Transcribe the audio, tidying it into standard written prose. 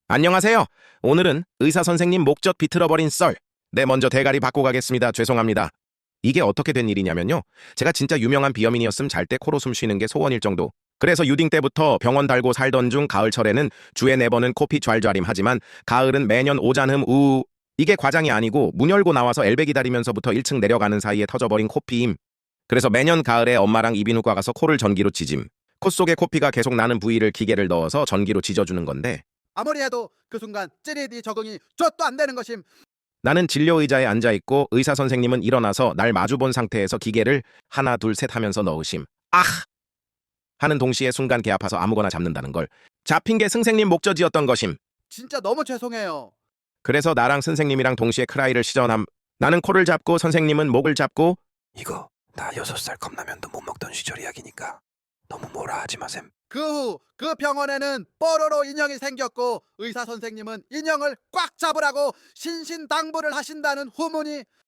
안녕하세요. 오늘은 의사 선생님 목젖 비틀어버린 썰. 네, 먼저 대가리 받고 가겠습니다. 죄송합니다. 이게 어떻게 된 일이냐면요. 제가 진짜 유명한 비염인이었음 잘 때 코로 숨 쉬는 게 소원일 정도. 그래서 유딩 때부터 병원 달고 살던 중 가을철에는 주에 4번은 코피 좔좔임 하지만 가을은 매년 오잔흠 우우. 이게 과장이 아니고 문 열고 나와서 엘베 기다리면서부터 1층 내려가는 사이에 터져버린 코피임. 그래서 매년 가을에 엄마랑 이비인후과 가서 코를 전기로 찢임. 콧 속에 코피가 계속 나는 부위를 기계를 넣어서 전기로 찢어주는 건데 아무리 해도 그 순간 찌릿이 적응이 좆도 안 되는 것임. 나는 진료 의자에 앉아 있고 의사 선생님은 일어나서 날 마주 본 상태에서 기계를 하나 둘 셋 하면서 넣으심. 아! 하는 동시에 순간 개 아파서 아무거나 잡는다는 걸. 잡힌 게 선생님 목젖이었던 것임. 진짜 너무 죄송해요. 그래서 나랑 선생님이랑 동시에 크라이를 시전함. 나는 코를 잡고 선생님은 목을 잡고 이거 나 6살 컵라면도 못 먹던 시절 이야기니까 너무 뭐라 하지 마셈. 그 후 그 병원에는 뽀로로 인형이 생겼고 의사 선생님은 인형을 꽉 잡으라고 신신당부를 하신다는 후문이